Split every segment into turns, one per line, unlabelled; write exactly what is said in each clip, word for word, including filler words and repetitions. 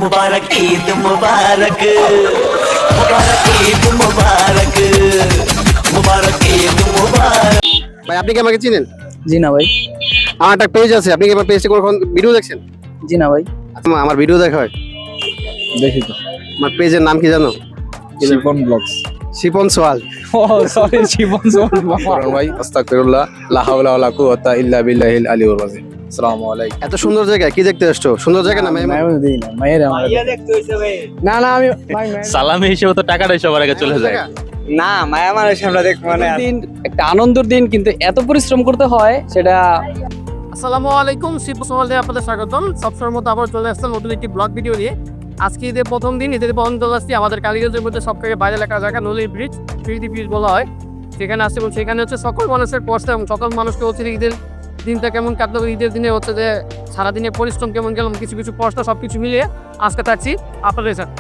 मुबारक ईद मुबारक मुबारक ईद मुबारक मुबारक ईद मुबारक।
ভাই আপনি কি আমাকে চিনেন?
জি না ভাই।
আমার একটা পেজ আছে, আপনি কি আমার পেজে কখন ভিডিও দেখছেন?
জি না ভাই।
আমার আমার ভিডিও দেখা হয়?
দেখি তো।
আমার পেজের নাম কি জানো?
শিপন ব্লগস।
শিপন সোয়াল।
ও সরি, শিপন সোয়াল
করণ ভাই আস্তাগফিরুল্লাহ লা হাওলা ওয়ালা কুওয়াতা ইল্লা বিল্লাহিল আলিয়্যিল আযীম। আসসালামু আলাইকুম।
এত সুন্দর জায়গা কি দেখতে আসছো? সুন্দর জায়গা না ভাই?
আমি দিই না মায়ের আমার না না আমি ভাই
সালামি হিসেবে তো টাকাটাই সবার আগে চলে যায়।
না মায়া মানুষ আমরা দেখব মানে দিন একটা আনন্দের দিন, কিন্তু এত পরিশ্রম করতে হয় সেটা।
আসসালামু আলাইকুম, শিপন সোয়াল দিয়ে আপনাদের স্বাগতম। সবসময়ের মতো আবার চলে আসলাম নতুন একটি ব্লগ ভিডিও নিয়ে। আজকে ঈদের প্রথম দিন, ঈদের প্রথম দিন আসছি আমাদের কালীগঞ্জের মধ্যে সব থেকে বাইরে লেখা জায়গা নলির ব্রিজ, ফিরদি ব্রিজ বলা হয়। সেখানে আসছে এবং সেখানে হচ্ছে সকল মানুষের কষ্ট এবং সকল মানুষকে হচ্ছে ঈদের দিনটা কেমন কাটলো, ঈদের দিনে হচ্ছে যে সারাদিনের পরিশ্রম কেমন গেলাম, কিছু কিছু কষ্ট সব কিছু মিলিয়ে আজকে থাকছি আপনাদের সাথে।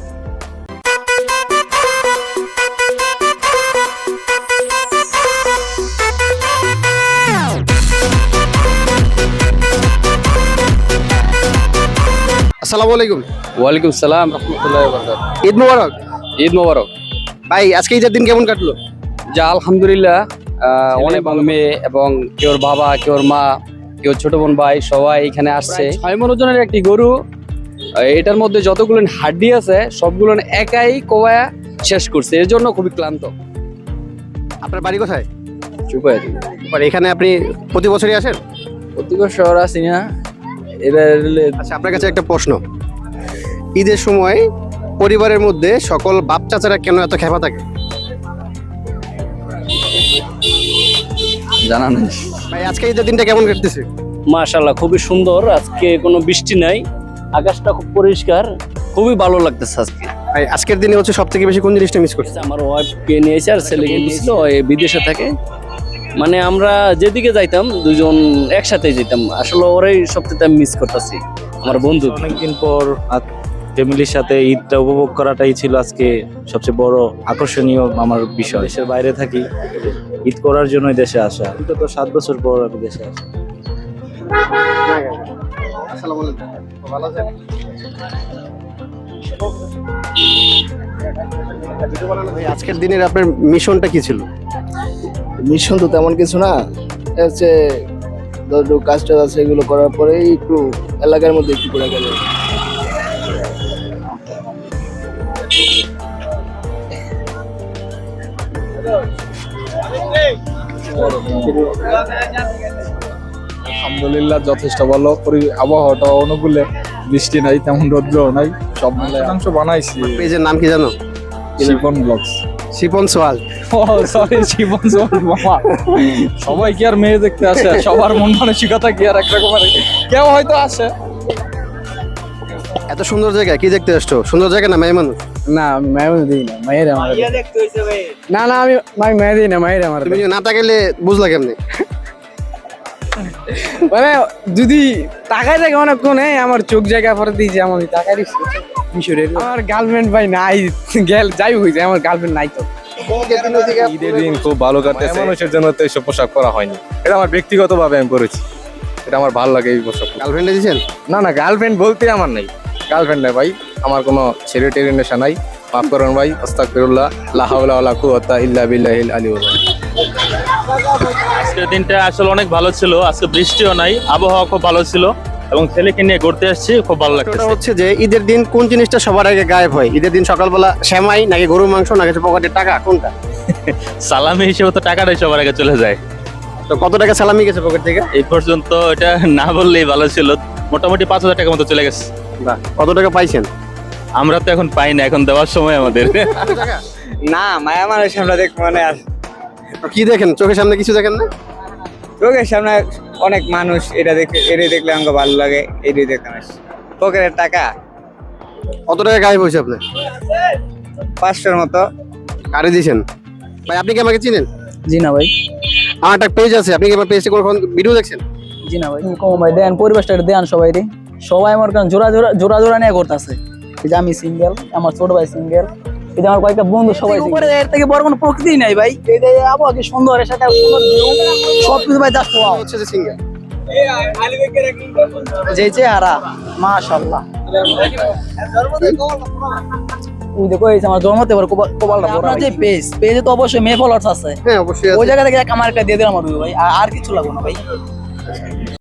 আসসালামু আলাইকুম।
ওয়ালাইকুম সালাম রাহমাতুল্লাহি ওয়া বারাকাতুহু।
ঈদ মোবারক।
ঈদ মোবারক।
ভাই আজকে ঈদের দিন কেমন কাটলো?
যা আলহামদুলিল্লাহ, আহ, অনেক মেয়ে এবং কেউর বাবা, কেউর মা, কেউ ছোট বোন ভাই সবাই এখানে আসছে। ছয় মন ওজনের একটি গরু, আহ, এটার মধ্যে যতগুলো হাড্ডি আছে সবগুলো একাই কোয়া শেষ করছে, এর জন্য খুবই ক্লান্ত।
আপনার বাড়ি কোথায়?
চুপ হয়ে যাবে।
আর এখানে আপনি প্রতি বছরই আসেন?
প্রতি বছর আসি না। এবার
আচ্ছা, আপনার কাছে একটা প্রশ্ন, ঈদের সময় পরিবারের মধ্যে সকল বাপ চাচারা কেন এত খেপা থাকে?
জানা নেই।
ভাই আজকে ঈদের দিনটা কেমন কাটতেছে?
মাশাআল্লাহ খুবই সুন্দর, আজকে কোনো বৃষ্টি নাই, আকাশটা খুব পরিষ্কার, খুবই ভালো লাগতেছে আজকে।
ভাই আজকের দিনে হচ্ছে সব থেকে বেশি কোন জিনিসটা মিস করছে?
আমার ওয়াইফকে নিয়েছে আর ছেলেকে নিয়েছিল, এ বিদেশে থাকে। মানে আমরা যেদিকে যাইতাম দুজন একসাথে যেতাম, আসলে ওরাই সবথেকে আমি মিস করতেছি, আমার বন্ধু।
অনেকদিন পর ফ্যামিলির সাথে ঈদটা উপভোগ করাটাই ছিল আজকে সবচেয়ে বড় আকর্ষণীয় আমার বিষয়। দেশের বাইরে থাকি, ঈদ করার জন্যই দেশে আসা। বিগত সাত বছর পর আমি দেশে আসি।
আসসালামু আলাইকুম। ভালো আছেন? ভাই আজকের দিনের আপনার মিশনটা কি ছিল?
মিশন তো তেমন কিছু না, হচ্ছে ধরো কাজ টাজ আছে, এগুলো করার পরে একটু এলাকার মধ্যে একটু ঘোরা গেল।
আলহামদুলিল্লাহ যথেষ্ট ভালো। আবহাওয়াটা অনুকূলে, বৃষ্টি নাই, তেমন রৌদ্র নাই, সব মিলে অংশ বানাইছি।
পেজের নাম কি জানো?
শিপন ব্লগস।
শিপন সোয়াল।
ও সরি, শিপন সোয়াল। মামা সবাই কি আর মেয়ে দেখতে আসে? সবার মন মানসিকতা কি আর একরকমের? কেউ হয়তো আসে।
এত সুন্দর জায়গা কি দেখতে আসছো? সুন্দর জায়গা না মেয়ে মানুষ?
না মায়ের দিই না মায়ের আমার না না আমি ভাই মায়ের দিই না মায়ের আমার।
তুমি না তাকাইলে বুঝলা কেমনে?
মানে যদি তাকাই থাকে অনেকক্ষণ, আমার চোখ জায়গা পরে দিয়েছে, আমি তাকাই মিশরের আমার গার্লফ্রেন্ড ভাই নাই, গেল যাই হয়েছে, আমার গার্লফ্রেন্ড নাই তো।
ঈদের দিন খুব ভালো কাটতেছে। মানুষের জন্য তো এইসব পোশাক পরা হয়নি, এটা আমার ব্যক্তিগতভাবে আমি পরেছি, এটা আমার ভালো লাগে এই পোশাক।
গার্লফ্রেন্ডে দিয়েছেন?
না না, গার্লফ্রেন্ড বলতে আমার নাই, গার্লফ্রেন্ড নাই ভাই, আমার কোনো ছেলে টেরে নেশা নাই। মাফ করুন ভাই, আস্তাগফিরুল্লাহ লা হাওলা ওয়ালা কুওয়াতা ইল্লা বিল্লাহিল আলিয়্যিল আযীম।
আজকের দিনটা আসলে অনেক ভালো ছিল, আজকে বৃষ্টিও নাই, আবহাওয়া খুব ভালো ছিল এবং ছেলেকে নিয়ে ঘুরতে আসছি, খুব ভালো
ওটা
লাগছে।
হচ্ছে যে ঈদের দিন কোন জিনিসটা সবার আগে গায়েব হয়? ঈদের দিন সকালবেলা সেমাই নাকি গরুর মাংস নাকি পকেটের টাকা, কোনটা?
সালামি হিসেবে তো টাকাটাই সবার আগে চলে যায়।
তো কত টাকা সালামি গেছে পকেট থেকে?
এই পর্যন্ত এটা না বললেই ভালো ছিল, মোটামুটি পাঁচ হাজার টাকার মতো চলে গেছে।
বাহ, কত টাকা পাইছেন?
আমরা তো এখন পাই না, এখন দেওয়ার সময় আমাদের।
না মায়া মানুষ আমরা দেখবো মানে আর
কি দেখেন চোখের সামনে? কিছু দেখেন না?
চোখের সামনে অনেক মানুষ, এটা দেখে এটা দেখলে আমাকে ভালো লাগে, এটাই দেখলাম। পকেটের টাকা
কত টাকা গায়েব হয়েছে আপনার?
পাঁচশোর মতো।
কারে দিয়েছেন? ভাই আপনি কি আমাকে চিনেন?
জি না ভাই।
আমার একটা পেজ আছে, আপনি কি আমার পেজে কখন ভিডিও দেখছেন?
জি না ভাই। কম ভাই দেন, পরিবেশটা দেন সবাই রে, সবাই আমার কারণ জোড়া জোড়া জোড়া জোড়া নিয়ে করতেছে। এই যে আমি সিঙ্গেল, আমার ছোট ভাই সিঙ্গেল, এই যে আমার কয়েকটা বন্ধু সবাই উপরে, এর থেকে বড় কোনো প্রকৃতি নাই ভাই। এই যে আবহাওয়া কি সুন্দর, এর সাথে সুন্দর সব কিছু ভাই জাস্ট ওয়াও।
হচ্ছে যে সিঙ্গেল
যে চেহারা মাশাআল্লাহ। ওই দেখো এই যে আমার জন্মতে এবার কোপাল- কোপালটা বড় আপনার যে পেজ পেজে তো অবশ্যই মেয়ে ফলোয়ার্স আছে
হ্যাঁ অবশ্যই
ওই
আছে।
জায়গা থেকে এক আমার একটা দিয়ে দিলাম আর ভাই আর- আর কিছু লাগবে না ভাই